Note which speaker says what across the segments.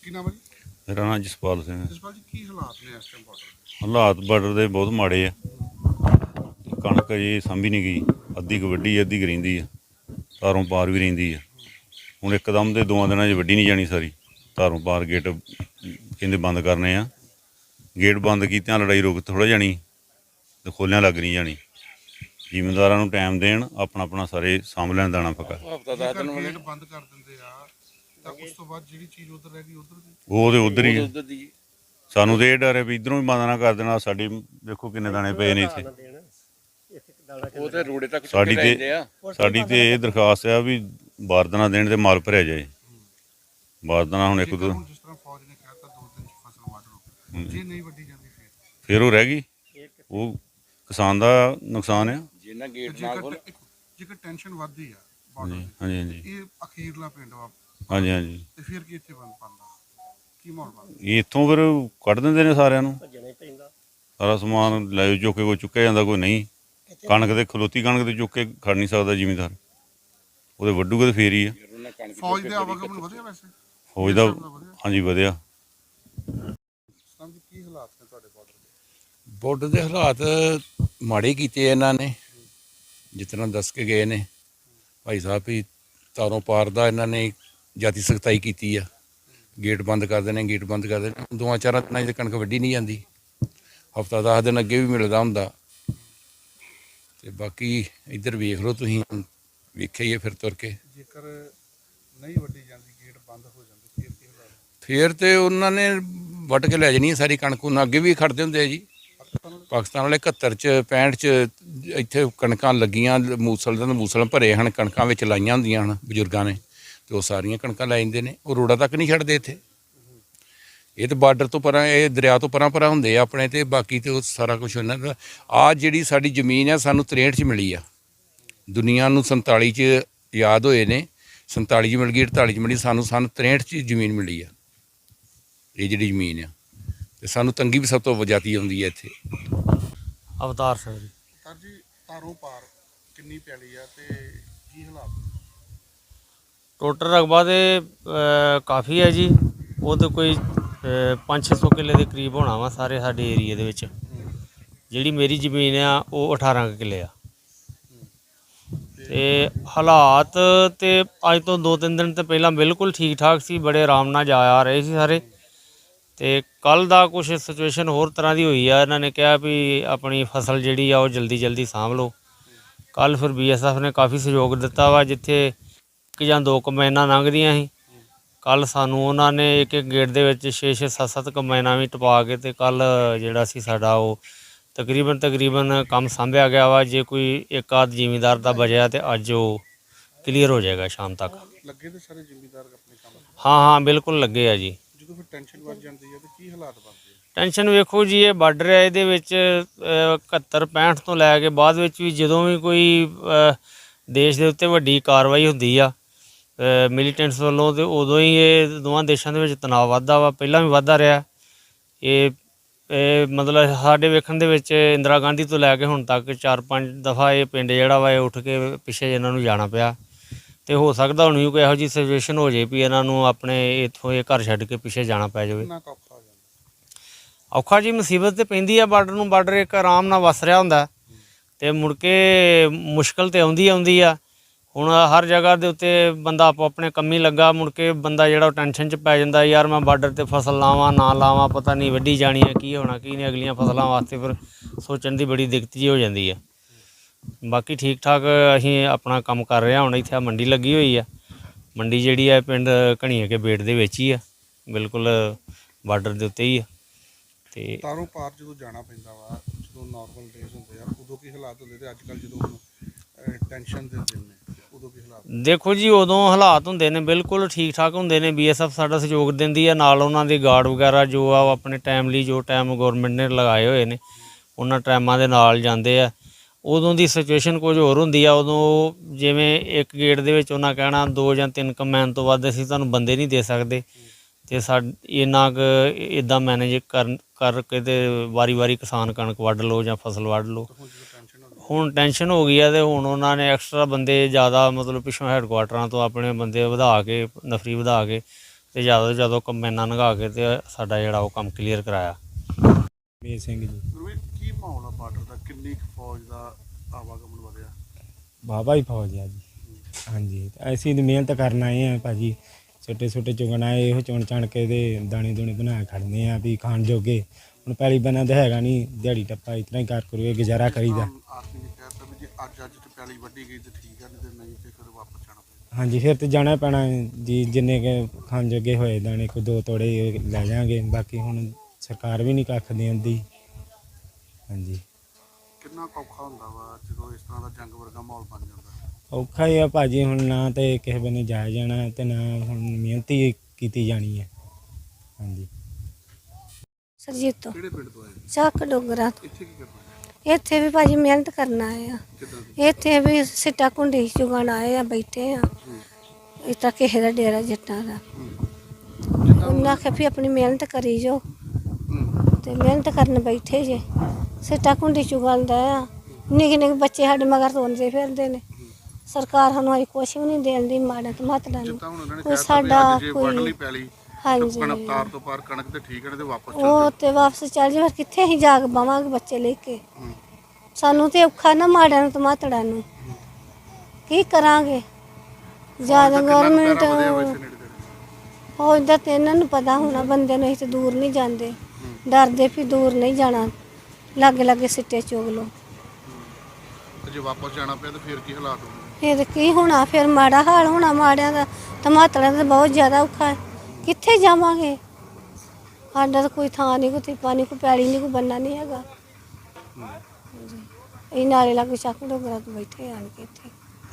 Speaker 1: ਕੀ ਨਾਮ ਹੈ ਜੀ?
Speaker 2: ਮੇਰਾ ਨਾਮ ਜਸਪਾਲ ਸਿੰਘ ਹੈ।
Speaker 1: ਜਸਪਾਲ ਜੀ, ਕੀ ਹਾਲਾਤ ਨੇ ਇਸ ਟਾਈਮ ਬਾਰਡਰ ਦੇ?
Speaker 2: ਹਾਲਾਤ ਬਾਰਡਰ ਦੇ ਬਹੁਤ ਮਾੜੇ ਆ। ਕਣਕ ਜੀ ਸਾਂਭੀ ਨਹੀਂ ਗਈ, ਅੱਧੀ ਕੁ ਵੱਢੀ, ਅੱਧੀ ਕੁ ਰਹਿੰਦੀ ਆ, ਤਾਰੋਂ ਪਾਰ ਵੀ ਰਹਿੰਦੀ ਆ। ਹੁਣ ਇੱਕਦਮ ਦੇ 2 ਦਿਨਾਂ 'ਚ ਵੱਢੀ ਨਹੀਂ ਜਾਣੀ ਸਾਰੀ। ਤਾਰੋਂ ਪਾਰ ਗੇਟ ਕਹਿੰਦੇ ਬੰਦ ਕਰਨੇ ਆ। ਗੇਟ ਬੰਦ ਕੀਤਿਆਂ ਲੜਾਈ ਰੁਕ ਥੋੜ੍ਹਾ ਜਾਣੀ ਅਤੇ ਖੋਲ੍ਹਿਆਂ ਲੱਗ ਨਹੀਂ ਜਾਣੀ। ਜ਼ਿਮੀਂਦਾਰਾਂ ਨੂੰ ਟਾਈਮ ਦੇਣ, ਆਪਣਾ ਆਪਣਾ ਸਾਰੇ ਸਾਂਭ ਲੈਣ ਦਾਣਾ ਪੱਕਾ।
Speaker 1: ਜੇਕਰ ਗੇਟ ਬੰਦ ਕਰ ਦਿੰਦੇ ਆ ਤਾਂ ਉਸ ਤੋਂ ਬਾਅਦ ਜਿਹੜੀ ਚੀਜ਼ ਉੱਧਰ ਰਹਿ ਗਈ ਉੱਧਰ ਦੀ
Speaker 2: ਉਹ ਤੇ ਉੱਧਰ ਹੀ ਆ। ਸਾਨੂੰ ਤਾਂ ਇਹ ਡਰ ਹੈ ਵੀ ਇੱਧਰੋਂ ਵੀ ਬੰਦ ਨਾ ਕਰ ਦੇਣਾ। ਸਾਡੇ ਦੇਖੋ ਕਿੰਨੇ ਦਾਣੇ ਪਏ ਨੇ ਇੱਥੇ। ਸਾਡੀ ਤੇ ਇਹ ਦਰਖਾਸਤ ਆ ਵੀ ਬਾਰਦਾਨਾ ਦੇਣ ਤੇ ਮਾਲ ਭਰਿਆ ਜਾਏ। ਬਾਰਦਾਨਾ ਹੁਣ ਇੱਕ ਦੋ
Speaker 1: ਜਿਸ ਤਰ੍ਹਾਂ ਫੌਜ ਨੇ ਕਹਿਤਾ 2 ਦਿਨ 'ਚ ਫਸਲ ਵੱਢ ਲਓ, ਜੇ ਨਹੀਂ ਵੱਢੀ ਜਾਂਦੀ
Speaker 2: ਫਿਰ ਉਹ ਰਹਿ ਗਈ। ਉਹ ਕਿਸਾਨ ਦਾ ਨੁਕਸਾਨ ਆ।
Speaker 1: ਜੇਕਰ ਟੈਨਸ਼ਨ ਵੱਧਦੀ ਆ ਬਾਰਡਰ ਦੀ,
Speaker 2: ਹਾਂਜੀ ਹਾਂਜੀ
Speaker 1: ਇਹ ਅਖੀਰਲਾ ਪਿੰਡ ਵਾ,
Speaker 2: ਹਾਂਜੀ ਹਾਂਜੀ
Speaker 1: ਤੇ ਫਿਰ ਕੀ ਇੱਥੇ ਬੰਦ ਪਾਉਂਦਾ? ਕੀ ਮਾਹੌਲ ਬਣਦਾ?
Speaker 2: ਇੱਥੋਂ ਫਿਰ ਕੱਢ ਦਿੰਦੇ ਨੇ ਸਾਰਿਆਂ ਨੂੰ। ਸਾਰਾ ਸਮਾਨ ਲੈ ਚੁੱਕ ਕੇ ਕੋਈ ਚੁੱਕਿਆ ਜਾਂਦਾ, ਕੋਈ ਨਹੀਂ। ਕਣਕ ਤੇ ਖਲੋਤੀ ਕਣਕ ਤੇ ਚੁੱਕ ਕੇ ਖੜ ਨਹੀਂ ਸਕਦਾ ਜ਼ਿਮੀਂਦਾਰ। ਉਹਦੇ ਵੱਢੂਗੇ ਤਾਂ ਫੇਰ ਹੀ ਆ।
Speaker 1: ਫੌਜ ਦੇ ਆਵਾਗਮਨ ਵਧਿਆ ਵੈਸੇ?
Speaker 2: ਫੌਜ ਦਾ ਹਾਂਜੀ ਵਧਿਆ।
Speaker 1: ਕੀ ਹਾਲਾਤ ਨੇ ਤੁਹਾਡੇ ਬਾਰਡਰ ਦੇ?
Speaker 3: ਬਾਰਡਰ ਦੇ ਹਾਲਾਤ ਮਾੜੇ ਕੀਤੇ ਇਹਨਾਂ ਨੇ, ਜਿਸ ਤਰ੍ਹਾਂ ਦੱਸ ਕੇ ਗਏ ਨੇ ਭਾਈ ਸਾਹਿਬ ਵੀ ਤਾਰੋਂ ਪਾਰ ਦਾ ਇਹਨਾਂ ਨੇ ਜਾਤੀ ਸਖਤਾਈ ਕੀਤੀ ਆ। ਗੇਟ ਬੰਦ ਕਰ ਦੇਣੇ, ਗੇਟ ਬੰਦ ਕਰ ਦੇਣੇ। 2-4 ਦਿਨਾਂ 'ਚ ਕਣਕ ਵੱਢੀ ਨਹੀਂ ਜਾਂਦੀ। ਹਫ਼ਤਾ 10 ਦਿਨ ਅੱਗੇ ਵੀ ਮਿਲਦਾ ਹੁੰਦਾ। ਤੇ ਬਾਕੀ ਇੱਧਰ ਵੇਖ ਲਓ ਤੁਸੀਂ, ਵੇਖਿਆ ਹੀ ਹੈ ਫਿਰ ਤੁਰ ਕੇ।
Speaker 1: ਜੇਕਰ ਨਹੀਂ ਵੱਢੀ ਜਾਂਦੀ, ਗੇਟ ਬੰਦ ਹੋ ਜਾਂਦੇ, ਫਿਰ ਕੀ ਹਾਲਾਤ?
Speaker 3: ਫਿਰ ਤੇ ਉਹਨਾਂ ਨੇ ਵੱਢ ਕੇ ਲੈ ਜਾਣੀ ਸਾਰੀ ਕਣਕ। ਉਹਨਾਂ ਅੱਗੇ ਵੀ ਖੜਦੇ ਹੁੰਦੇ ਆ ਜੀ। ਪਾਕਿਸਤਾਨ ਵਾਲੇ 71 'ਚ 65 'ਚ ਇੱਥੇ ਕਣਕਾਂ ਲੱਗੀਆਂ, ਮੂਸਲ ਭਰੇ ਹਨ, ਕਣਕਾਂ ਵਿੱਚ ਲਾਈਆਂ ਹੁੰਦੀਆਂ ਹਨ ਬਜ਼ੁਰਗਾਂ ਨੇ, ਅਤੇ ਉਹ ਸਾਰੀਆਂ ਕਣਕਾਂ ਲੈ ਜਾਂਦੇ ਨੇ। ਉਹ ਰੋਡਾਂ ਤੱਕ ਨਹੀਂ ਛੱਡਦੇ ਇੱਥੇ। ਇਹ ਤਾਂ ਬਾਰਡਰ ਤੋਂ ਪਰਾਂ, ਇਹ ਦਰਿਆ ਤੋਂ ਪਰਾਂ ਪਰਾਂ ਹੁੰਦੇ ਆ ਆਪਣੇ। ਅਤੇ ਬਾਕੀ ਤਾਂ ਉਹ ਸਾਰਾ ਕੁਛ ਉਹਨਾਂ ਦਾ। ਆਹ ਜਿਹੜੀ ਸਾਡੀ ਜ਼ਮੀਨ ਆ ਸਾਨੂੰ 63 'ਚ ਮਿਲੀ ਆ। ਦੁਨੀਆ ਨੂੰ 47 'ਚ ਯਾਦ ਹੋਏ ਨੇ, 47 'ਚ ਮਿਲ ਗਈ, 48 'ਚ ਮਿਲੀ। ਸਾਨੂੰ 63 'ਚ ਜ਼ਮੀਨ ਮਿਲੀ ਆ ਇਹ ਜਿਹੜੀ ਜ਼ਮੀਨ ਆ। ਅਤੇ ਸਾਨੂੰ ਤੰਗੀ ਵੀ ਸਭ ਤੋਂ ਜ਼ਿਆਦੀ ਆਉਂਦੀ ਹੈ ਇੱਥੇ।
Speaker 4: ਅਵਤਾਰ ਸਿੰਘ ਜੀ।
Speaker 1: ਸਰ ਜੀ, ਤਾਰੋਂ ਪਾਰ ਕਿੰਨੀ ਪੈਲੀ ਆ ਤੇ ਕੀ ਹਾਲਾਤ?
Speaker 4: ਟੋਟਲ ਰਕਬਾ ਤੇ ਕਾਫੀ ਹੈ ਜੀ। ਉਹ ਤਾਂ ਕੋਈ 500-600 ਕਿੱਲੇ ਦੇ ਕਰੀਬ ਹੋਣਾ ਵਾ ਸਾਰੇ ਸਾਡੇ ਏਰੀਏ ਦੇ ਵਿੱਚ। ਜਿਹੜੀ ਮੇਰੀ ਜ਼ਮੀਨ ਆ ਉਹ 18 ਕਿੱਲੇ ਆ। ਤੇ ਹਾਲਾਤ ਤੇ ਅੱਜ ਤੋਂ 2-3 ਦਿਨ ਤੋਂ ਪਹਿਲਾਂ ਬਿਲਕੁਲ ਠੀਕ ਠਾਕ ਸੀ, ਬੜੇ ਆਰਾਮ ਨਾਲ ਜਾ ਆ ਰਹੇ ਸੀ ਸਾਰੇ। ਤੇ ਕੱਲ੍ਹ ਦਾ ਕੁਛ ਸਿਚੁਏਸ਼ਨ ਹੋਰ ਤਰ੍ਹਾਂ ਦੀ ਹੋਈ ਆ। ਇਹਨਾਂ ਨੇ ਕਿਹਾ ਵੀ ਆਪਣੀ ਫਸਲ ਜਿਹੜੀ ਆ ਉਹ ਜਲਦੀ ਸਾਂਭ ਲਓ। ਕੱਲ੍ਹ ਫਿਰ BSF ਨੇ ਕਾਫੀ ਸਹਿਯੋਗ ਦਿੱਤਾ ਵਾ। ਜਿੱਥੇ 1 ਜਾਂ 2 ਕੰਬਾਈਨਾਂ ਲੰਘਦੀਆਂ ਸੀ, ਕੱਲ੍ਹ ਸਾਨੂੰ ਉਹਨਾਂ ਨੇ ਇੱਕ ਗੇਟ ਦੇ ਵਿੱਚ 6-6, 7-7 ਕੰਬਾਈਨਾਂ ਵੀ ਟਪਾ ਕੇ ਤੇ ਕੱਲ੍ਹ ਜਿਹੜਾ ਸੀ ਸਾਡਾ ਉਹ ਤਕਰੀਬਨ ਕੰਮ ਸਾਂਭਿਆ ਗਿਆ ਵਾ। ਜੇ ਕੋਈ ਇੱਕ ਆਧ ਜ਼ਿਮੀਂਦਾਰ ਦਾ ਬਚਿਆ ਤੇ ਅੱਜ ਉਹ ਕਲੀਅਰ ਹੋ ਜਾਏਗਾ ਸ਼ਾਮ ਤੱਕ।
Speaker 1: ਲੱਗੇ ਤੇ ਸਾਰੇ ਜ਼ਿਮੀਂਦਾਰ ਆਪਣੇ ਕੰਮ?
Speaker 4: ਹਾਂ ਬਿਲਕੁਲ ਲੱਗੇ ਆ ਜੀ।
Speaker 1: ਜਦੋਂ ਫਿਰ ਟੈਨਸ਼ਨ ਵੱਧ ਜਾਂਦੀ ਹੈ ਤੇ ਕੀ ਹਾਲਾਤ ਬਣਦੇ ਆ?
Speaker 4: ਟੈਨਸ਼ਨ ਵੇਖੋ ਜੀ, ਇਹ ਬਾਰਡਰ ਹੈ, ਇਹਦੇ ਵਿੱਚ 71-65 ਤੋਂ ਲੈ ਕੇ ਬਾਅਦ ਵਿੱਚ ਵੀ ਜਦੋਂ ਵੀ ਕੋਈ ਦੇਸ਼ ਦੇ ਉੱਤੇ ਵੱਡੀ ਕਾਰਵਾਈ ਹੁੰਦੀ ਆ ਮਿਲੀਟੈਂਟਸ ਵੱਲੋਂ, ਤੇ ਉਦੋਂ ਹੀ ਇਹ ਦੋਵਾਂ ਦੇਸ਼ਾਂ ਦੇ ਵਿੱਚ ਤਣਾਅ ਵੱਧਦਾ ਵਾ। ਪਹਿਲਾਂ ਵੀ ਵੱਧਦਾ ਰਿਹਾ। ਇਹ ਮਤਲਬ ਸਾਡੇ ਵੇਖਣ ਦੇ ਵਿੱਚ ਇੰਦਰਾ ਗਾਂਧੀ ਤੋਂ ਲੈ ਕੇ ਹੁਣ ਤੱਕ 4-5 ਦਫਾ ਇਹ ਪਿੰਡ ਜਿਹੜਾ ਵਾ ਇਹ ਉੱਠ ਕੇ ਪਿੱਛੇ ਇਹਨਾਂ ਨੂੰ ਜਾਣਾ ਪਿਆ। ਤੇ ਹੋ ਸਕਦਾ ਹੁਣ ਵੀ ਕੋਈ ਇਹੋ ਜਿਹੀ ਸਿਚੁਏਸ਼ਨ ਹੋ ਜਾਏ ਵੀ ਇਹਨਾਂ ਨੂੰ ਆਪਣੇ ਇੱਥੋਂ ਇਹ ਘਰ ਛੱਡ ਕੇ ਪਿੱਛੇ ਜਾਣਾ ਪੈ ਜਾਵੇ। ਔਖਾ ਜੀ, ਮੁਸੀਬਤ ਤਾਂ ਪੈਂਦੀ ਆ ਬਾਰਡਰ ਨੂੰ। ਬਾਰਡਰ ਇੱਕ ਆਰਾਮ ਨਾਲ ਵਸ ਰਿਹਾ ਹੁੰਦਾ ਅਤੇ ਮੁੜ ਕੇ ਮੁਸ਼ਕਿਲ ਤਾਂ ਆਉਂਦੀ ਆ। ਹੁਣ ਹਰ ਜਗ੍ਹਾ ਦੇ ਉੱਤੇ ਬੰਦਾ ਆਪੋ ਆਪਣੇ ਕੰਮੀ ਲੱਗਾ, ਮੁੜ ਕੇ ਬੰਦਾ ਜਿਹੜਾ ਉਹ ਟੈਨਸ਼ਨ 'ਚ ਪੈ ਜਾਂਦਾ, ਯਾਰ ਮੈਂ ਬਾਰਡਰ 'ਤੇ ਫਸਲ ਲਾਵਾਂ ਨਾ ਲਾਵਾਂ, ਪਤਾ ਨਹੀਂ ਵੱਢੀ ਜਾਣੀ ਹੈ, ਕੀ ਹੋਣਾ ਕੀ ਨਹੀਂ। ਅਗਲੀਆਂ ਫਸਲਾਂ ਵਾਸਤੇ ਫਿਰ ਸੋਚਣ ਦੀ ਬੜੀ ਦਿੱਕਤ ਜਿਹੀ ਹੋ ਜਾਂਦੀ ਹੈ। ਬਾਕੀ ਠੀਕ ਠਾਕ ਅਸੀਂ ਆਪਣਾ ਕੰਮ ਕਰ ਰਹੇ ਹਾਂ। ਹੁਣ ਇੱਥੇ ਮੰਡੀ ਲੱਗੀ ਹੋਈ ਆ। ਮੰਡੀ ਜਿਹੜੀ ਹੈ ਪਿੰਡ ਘਣੀਏ ਕੇ ਬੇਟ ਦੇ ਵਿੱਚ ਹੀ ਆ, ਬਿਲਕੁਲ ਬਾਰਡਰ ਦੇ ਉੱਤੇ ਹੀ ਆ। ਤੇ
Speaker 1: ਤਾਰੋਂ ਪਾਰ ਜਦੋਂ ਜਾਣਾ ਪੈਂਦਾ ਵਾ, ਜਦੋਂ ਨਾਰਮਲ ਡੇਜ਼ ਹੁੰਦੇ ਆ ਉਦੋਂ ਕੀ ਹਾਲਾਤ ਹੁੰਦੇ, ਤੇ ਅੱਜ ਕੱਲ੍ਹ ਜਦੋਂ ਟੈਨਸ਼ਨ ਦੇ ਦਿਨ ਨੇ ਉਦੋਂ ਕੀ ਹਾਲਾਤ?
Speaker 4: ਦੇਖੋ ਜੀ, ਉਦੋਂ ਹਾਲਾਤ ਹੁੰਦੇ ਨੇ ਬਿਲਕੁਲ ਠੀਕ ਠਾਕ ਹੁੰਦੇ ਨੇ। BSF ਸਾਡਾ ਸਹਿਯੋਗ ਦਿੰਦੀ ਆ, ਨਾਲ ਉਹਨਾਂ ਦੇ ਗਾਰਡ ਵਗੈਰਾ ਜੋ ਆ ਉਹ ਆਪਣੇ ਟਾਈਮ ਲਈ ਜੋ ਟਾਈਮ ਗੌਰਮੈਂਟ ਨੇ ਲਗਾਏ ਹੋਏ ਨੇ ਉਹਨਾਂ ਟਾਈਮਾਂ ਦੇ ਨਾਲ ਜਾਂਦੇ ਆ। ਉਦੋਂ ਦੀ ਸਿਚੁਏਸ਼ਨ ਕੁਝ ਹੋਰ ਹੁੰਦੀ ਆ। ਉਦੋਂ ਜਿਵੇਂ ਇੱਕ ਗੇਟ ਦੇ ਵਿੱਚ ਉਹਨਾਂ ਕਹਿਣਾ 2 ਜਾਂ 3 ਕੰਬਾਈਨ ਤੋਂ ਵੱਧ ਅਸੀਂ ਤੁਹਾਨੂੰ ਬੰਦੇ ਨਹੀਂ ਦੇ ਸਕਦੇ, ਅਤੇ ਇੰਨਾ ਕੁ ਇੱਦਾਂ ਮੈਨੇਜ ਕਰਕੇ ਤੇ ਵਾਰੀ ਕਿਸਾਨ ਕਣਕ ਵੱਢ ਲਓ ਜਾਂ ਫਸਲ ਵੱਢ ਲਓ। ਹੁਣ ਟੈਨਸ਼ਨ ਹੋ ਗਈ ਆ ਅਤੇ ਹੁਣ ਉਹਨਾਂ ਨੇ ਐਕਸਟਰਾ ਬੰਦੇ ਜ਼ਿਆਦਾ, ਮਤਲਬ ਪਿੱਛੋਂ ਹੈਡਕੁਆਟਰਾਂ ਤੋਂ ਆਪਣੇ ਬੰਦੇ ਵਧਾ ਕੇ, ਨਫਰੀ ਵਧਾ ਕੇ ਤੇ ਜਦੋਂ ਕੰਬਾਈਨਾਂ ਲੰਘਾ ਕੇ ਤੇ ਸਾਡਾ ਜਿਹੜਾ ਉਹ ਕੰਮ ਕਲੀਅਰ ਕਰਾਇਆ।
Speaker 5: ਮੇਰ ਸਿੰਘ ਜੀ।
Speaker 1: ਗੁਰਮੀਤ, ਕੀ ਮਾਹੌਲ ਆ ਬਾਰਡਰ ਦਾ? ਕਿੰਨੀ ਕੁ ਫੌਜ ਦਾ ਆਵਾਗਮਨ ਵਧਿਆ?
Speaker 5: ਬਾਬਾ ਹੀ ਫੌਜ ਆ ਜੀ। ਹਾਂਜੀ ਤੇ ਅਸੀਂ ਤਾਂ ਮਿਹਨਤ ਕਰਨ ਆਏ ਆ ਭਾਜੀ, ਛੋਟੇ ਛੋਟੇ ਚੁਗਣ ਆਏ, ਇਹੋ ਚੁਣ ਚਣ ਕੇ ਤੇ ਦਾਣੇ ਦੂਣੇ ਬਣਾ ਕੇ ਖੜਨੇ ਆ ਵੀ ਖਾਣ ਜੋਗੇ। ਹੁਣ ਪੈਲੀ ਬੰਨਾ ਤਾਂ ਹੈਗਾ ਨਹੀਂ, ਦਿਹਾੜੀ ਟੱਪਾ ਇਸ ਤਰ੍ਹਾਂ ਹੀ ਕਰ ਕਰੂਏ ਗੁਜ਼ਾਰਾ ਕਰੀਦਾ।
Speaker 1: ਆਰਮੀ ਨੇ ਕਹਿਤਾ ਵੀ ਜੇ ਅੱਜ ਤੇ ਪੈਲੀ ਵੱਢੀ ਗਈ ਤੇ ਠੀਕ ਆ, ਨਹੀਂ ਤੇ ਨਹੀਂ ਤੇ ਫਿਰ ਵਾਪਸ ਜਾਣਾ ਪਏਗਾ।
Speaker 5: ਹਾਂਜੀ ਫਿਰ ਤੇ ਜਾਣਾ ਪੈਣਾ ਜੀ, ਜਿੰਨੇ ਕੁ ਖਾਣ ਜੋਗੇ ਹੋਏ ਦਾਣੇ ਕੋਈ 2 ਤੋੜੇ ਲੈ ਜਾਾਂਗੇ, ਬਾਕੀ ਹੁਣ ਸਰਕਾਰ ਵੀ ਨਹੀਂ ਕੱਖ ਦੇਂਦੀ। ਹਾਂਜੀ
Speaker 1: ਕਿੰਨਾ ਕੁ ਔਖਾ ਹੁੰਦਾ ਵਾ ਜਦੋਂ ਇਸ ਤਰ੍ਹਾਂ ਦਾ ਜੰਗ ਵਰਗਾ ਮਾਹੌਲ ਬਣ ਜਾਂਦਾ?
Speaker 5: ਔਖਾ ਹੀ ਆ ਭਾਜੀ, ਹੁਣ ਨਾ ਤੇ ਕਿਸੇ ਬੰਨੇ ਜਾਇਆ ਜਾਣਾ ਤੇ ਨਾ ਹੁਣ ਮਿਹਨਤ ਹੀ ਕੀਤੀ ਜਾਣੀ ਹੈ। ਹਾਂਜੀ
Speaker 6: ਸਰਜੀਤ ਤੋਂ
Speaker 1: ਕਿਹੜੇ ਪਿੰਡ ਤੋਂ ਆਏ?
Speaker 6: ਚੱਕ ਡੋਗਰਾ ਤੋਂ।
Speaker 1: ਇੱਥੇ ਕੀ ਕਰਨਾ?
Speaker 6: ਇੱਥੇ ਵੀ ਭਾਜੀ ਮਿਹਨਤ ਕਰਨ ਆਏ ਆ।
Speaker 1: ਕਿੱਦਾਂ ਦੀ?
Speaker 6: ਇੱਥੇ ਵੀ ਸਿੱਟਾ ਕੁੰਡੀ ਚੁਗਣ ਆਏ ਆ, ਬੈਠੇ ਆ। ਇਸ ਤਰ੍ਹਾਂ ਕਿਸੇ ਦਾ ਡੇਰਾ ਜੱਟਾਂ ਦਾ। ਉਹਨਾਂ ਆਖਿਆ ਵੀ ਆਪਣੀ ਮਿਹਨਤ ਕਰੀ ਜੋ, ਤੇ ਮਿਹਨਤ ਕਰਨ ਬੈਠੇ ਜੇ। ਸਿੱਟਾ ਕੁੰਡੀ ਚੁਗਣ ਦਾ ਆ। ਨਿੱਕੇ ਨਿੱਕੇ ਬੱਚੇ ਸਾਡੇ ਮਗਰ ਰੋਂਦੇ ਫਿਰਦੇ ਨੇ। ਸਰਕਾਰ ਸਾਨੂੰ ਅਜੇ ਕੁਛ ਵੀ ਨਹੀਂ ਦੇਣ ਦੀ, ਮਾੜਾ ਤੇ ਮਾਤੜਾ ਨੂੰ
Speaker 1: ਜਿੱਦਾਂ ਹੁਣ ਉਹਨਾਂ ਨੇ
Speaker 6: ਕੋਈ
Speaker 1: ਕਹਿਤਾ ਵੀ
Speaker 6: ਸਾਡਾ
Speaker 1: ਅੱਜ ਜੇ ਵੱਢ ਲਈ
Speaker 6: ਕੋਈ।
Speaker 1: ਪੈਲੀ
Speaker 6: ਹਾਂਜੀ
Speaker 1: ਕਣਕ ਤਾਰ ਤੋਂ ਪਾਰ ਕਣਕ ਤੇ ਠੀਕ ਹੈ, ਨਹੀਂ ਤੇ ਵਾਪਸ ਚੱਲ
Speaker 6: ਉਹ
Speaker 1: ਜਾਓ।
Speaker 6: ਤੇ ਵਾਪਸ ਚੱਲ ਜੇ, ਫਿਰ ਕਿੱਥੇ ਅਸੀਂ ਜਾਗ ਪਾਵਾਂਗੇ ਬੱਚੇ ਲੈ ਕੇ?
Speaker 1: ਹੂੰ।
Speaker 6: ਸਾਨੂੰ ਤੇ ਔਖਾ ਨਾ, ਮਾੜਿਆਂ ਨੂੰ ਤੇ ਮਾਤੜਾਂ ਨੂੰ ਕੀ ਕਰਾਂਗੇ? ਜਿਆਦਾ ਗਵਰਨਮੈਂਟ ਫੌਜ ਦਾ ਤੇ ਇਹਨਾਂ ਨੂੰ ਪਤਾ ਹੋਣਾ, ਬੰਦੇ ਨੂੰ ਅਸੀਂ ਤੇ ਦੂਰ ਨਹੀਂ ਜਾਂਦੇ, ਡਰਦੇ ਵੀ ਦੂਰ ਨਹੀਂ ਜਾਣਾ, ਲਾਗੇ ਲਾਗੇ ਸਿੱਟੇ ਚੁਗ ਲੋ।
Speaker 1: ਤੇ ਜੇ ਵਾਪਸ ਜਾਣਾ ਪਿਆ ਤਾਂ ਫਿਰ ਕੀ ਹਾਲਾਤ ਹੋਣਗੇ?
Speaker 6: ਫਿਰ ਕੀ ਹੋਣਾ? ਫਿਰ ਮਾੜਾ ਹਾਲ ਹੋਣਾ ਮਾੜਿਆਂ ਦਾ, ਤੇ ਮਾਤੜਾਂ ਦਾ ਬਹੁਤ ਜ਼ਿਆਦਾ ਔਖਾ ਹੈ। ਕਿੱਥੇ ਜਾਵਾਂਗੇ? ਸਾਡਾ ਤਾਂ ਕੋਈ ਥਾਂ ਨਹੀਂ, ਕੋਈ ਥਿੱਪਾ ਨਹੀਂ, ਕੋਈ ਪੈਲੀ ਨਹੀਂ, ਕੋਈ ਬੰਨਾ ਨਹੀਂ ਹੈਗਾ। ਇਹ ਨਾਲੇ ਲਾਗੇ ਚੱਕ ਡੋਗਰਾ ਤੋਂ ਬੈਠੇ ਆਣ ਕੇ ਇੱਥੇ।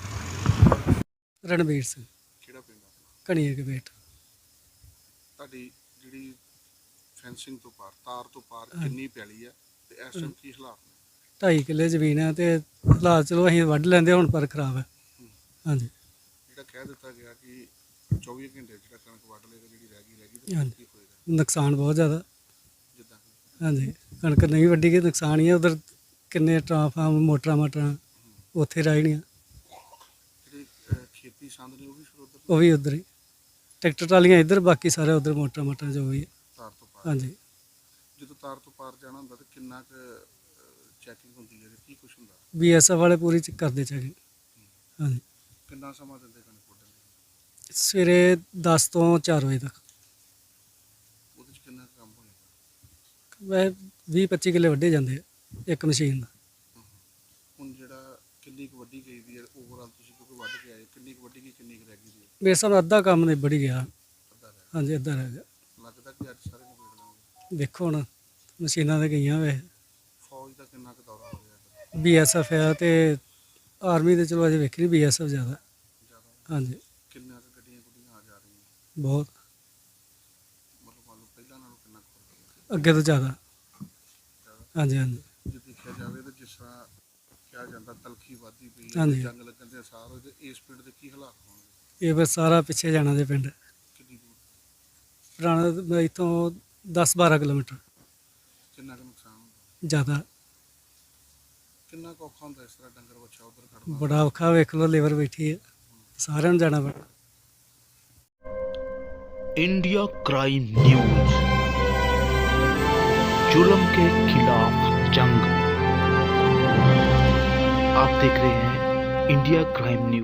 Speaker 7: ਰਣਵੀਰ ਸਿੰਘ,
Speaker 1: ਕਿਹੜਾ ਪਿੰਡ ਆ?
Speaker 7: ਕਣੀਏ ਕੇ ਬੇਟ।
Speaker 1: ਤੁਹਾਡੀ ਜਿਹੜੀ ਫੈਂਸਿੰਗ ਤੋਂ ਪਾਰ, ਤਾਰ ਤੋਂ ਪਾਰ ਕਿੰਨੀ ਪੈਲੀ ਆ ਤੇ ਇਸ ਟਾਈਮ ਕੀ ਹਾਲਾਤ ਨੇ?
Speaker 7: 2.5 ਕਿੱਲੇ ਜ਼ਮੀਨ ਹੈ ਤੇ ਹਾਲਾਤ ਚਲੋ ਅਸੀਂ ਵੱਢ ਲੈਂਦੇ, ਹੁਣ ਪਰ ਖਰਾਬ ਹੈ। ਹਾਂਜੀ
Speaker 1: ਜਿਹੜਾ ਕਹਿ ਦਿੱਤਾ ਗਿਆ ਕਿ 24 ਘੰਟੇ ਜਿਹੜਾ ਕਣਕ ਵੱਢ ਲਏਗਾ, ਜਿਹੜੀ ਰਹਿ ਗਈ ਤੇ
Speaker 7: ਹਾਂਜੀ।
Speaker 1: ਕੀ ਹੋਏਗਾ?
Speaker 7: ਨੁਕਸਾਨ ਬਹੁਤ ਜ਼ਿਆਦਾ।
Speaker 1: ਜਿੱਦਾਂ
Speaker 7: ਹਾਂਜੀ ਕਣਕ ਨਹੀਂ ਵੱਢੀ ਗਈ, ਨੁਕਸਾਨ ਹੀ ਹੈ। ਉਧਰ ਕਿੰਨੇ ਟਰਾਂਫਾਰਮ ਮੋਟਰਾਂ ਉੱਥੇ ਰਹਿਣੀਆਂ,
Speaker 1: ਜਿਹੜੀ ਖੇਤੀ ਸੰਦ ਨੇ ਉਹ ਵੀ ਫਿਰ ਉੱਧਰ
Speaker 7: ਉਹ ਵੀ ਉੱਧਰ ਹੀ। ਟਰੈਕਟਰ ਟਰਾਲੀਆਂ ਇੱਧਰ, ਬਾਕੀ ਸਾਰੇ ਉੱਧਰ ਮੋਟਰਾਂ ਜੋ ਵੀ ਹੈ।
Speaker 1: ਤਾਰ ਤੋਂ ਪਾਰ।
Speaker 7: ਹਾਂਜੀ
Speaker 1: ਜਦੋਂ ਤਾਰ ਤੋਂ ਪਾਰ ਜਾਣਾ ਹੁੰਦਾ ਤਾਂ ਕਿੰਨਾ ਕੁ ਚੈਕਿੰਗ ਹੁੰਦੀ ਹੈ, ਕੀ ਕੁਛ ਹੁੰਦਾ?
Speaker 7: BSF ਵਾਲੇ ਪੂਰੀ ਕਰਦੇ ਚੈਕਿੰਗ। ਹਾਂਜੀ
Speaker 1: ਕਿੰਨਾ ਸਮਾਂ ਦਿੰਦੇ ਕਣਕ ਵੱਢਣ ਲਈ?
Speaker 7: ਸਵੇਰੇ 10 ਤੋਂ 4 ਵਜੇ ਤੱਕ।
Speaker 1: ਉਹਦੇ 'ਚ ਕਿੰਨਾ ਕੁ ਕੰਮ ਹੋ ਜਾਂਦਾ?
Speaker 7: ਵੈਸੇ 20-25 ਕਿੱਲੇ ਵੱਢੇ ਜਾਂਦੇ ਆ ਇੱਕ ਮਸ਼ੀਨ ਦਾ।
Speaker 1: ਹੁਣ ਜਿਹੜਾ ਕਿੰਨੀ ਕੁ ਵੱਡੀ ਗਈ ਦੀ ਹੈ ਓਵਰਆਲ, ਤੁਸੀਂ ਕਿਉਂਕਿ ਵੱਢ ਕੇ ਆਏ, ਕਿੰਨੀ ਕੁ ਵੱਡੀ ਗਈ, ਕਿੰਨੀ ਕੁ ਰਹਿ ਗਈ ਦੀ ਹੈ?
Speaker 7: ਮੇਰੇ ਹਿਸਾਬ ਨਾਲ ਅੱਧਾ ਕੰਮ ਨਿਬੜ ਹੀ ਗਿਆ।
Speaker 1: ਅੱਧਾ ਰਹਿ
Speaker 7: ਹਾਂਜੀ ਅੱਧਾ ਰਹਿ ਗਿਆ।
Speaker 1: ਗਿਆ। ਲੱਗਦਾ ਕਿ ਅੱਜ ਸਾਰੇ ਨਿਬੇੜ ਲਾਂਗੇ।
Speaker 7: ਦੇਖੋ ਹੁਣ ਮਸ਼ੀਨਾਂ ਤੇ ਗਈਆਂ ਵੇ।
Speaker 1: ਫੌਜ ਦਾ ਕਿੰਨਾ ਕੁ ਦੌਰਾ ਹੋ ਰਿਹਾ?
Speaker 7: BSF ਆ ਤੇ ਆਰਮੀ ਦੇ ਚਲੋ ਅਜੇ ਵੇਖੀ ਨਹੀਂ, BSF ਜ਼ਿਆਦਾ।
Speaker 1: ਜ਼ਿਆਦਾ?
Speaker 7: ਹਾਂਜੀ
Speaker 1: ਕਿੰਨਾ ਕੁ ਗੱਡੀਆਂ ਗੁੱਡੀਆਂ ਆ ਜਾ ਰਹੀਆਂ?
Speaker 7: ਬਹੁਤ
Speaker 1: ਮਤਲਬ ਮੰਨ ਲਓ ਪਹਿਲਾਂ ਨਾਲੋਂ ਕਿੰਨਾ ਕੁ ਫਰਕ ਹੈ?
Speaker 7: ਅੱਗੇ ਤੋਂ ਜ਼ਿਆਦਾ। ਹਾਂਜੀ ਹਾਂਜੀ
Speaker 1: ਜੇ ਦੇਖਿਆ ਜਾਵੇ ਤਾਂ ਜਿਸ ਤਰ੍ਹਾਂ ਕਿਹਾ ਜਾਂਦਾ ਤਲਖੀ ਵੱਧਦੀ ਪਈ ਹੈ,
Speaker 7: ਹਾਂਜੀ।
Speaker 1: ਜੰਗ ਲੱਗਣ ਦੇ ਅਸਾਰ ਹੋਏ, ਤੇ ਇਸ ਪਿੰਡ ਦੇ ਕੀ ਹਾਲਾਤ ਹੋਣਗੇ?
Speaker 7: ਇਹ ਫਿਰ ਸਾਰਾ ਪਿੱਛੇ ਜਾਣਾ ਦੇ ਪਿੰਡ
Speaker 1: ਕਿੰਨੀ ਦੂਰ?
Speaker 7: ਪੁਰਾਣਾ ਇੱਥੋਂ 10-12 ਕਿਲੋਮੀਟਰ
Speaker 1: ਕਿੰਨਾ ਕੁ ਨੁਕਸਾਨ ਹੁੰਦਾ?
Speaker 7: ਜ਼ਿਆਦਾ।
Speaker 1: ਕਿੰਨਾ ਕੁ ਔਖਾ ਹੁੰਦਾ ਇਸ ਤਰ੍ਹਾਂ ਡੰਗਰ ਬੱਚਾ ਉੱਧਰ ਖੜਨਾ?
Speaker 7: ਬੜਾ ਔਖਾ, ਵੇਖ ਲਓ ਲੇਬਰ ਬੈਠੀ ਹੈ, ਸਾਰਿਆਂ ਨੂੰ ਜਾਣਾ ਪੈਣਾ।
Speaker 8: इंडिया क्राइम न्यूज, जुल्म के खिलाफ जंग। आप देख रहे हैं इंडिया क्राइम न्यूज।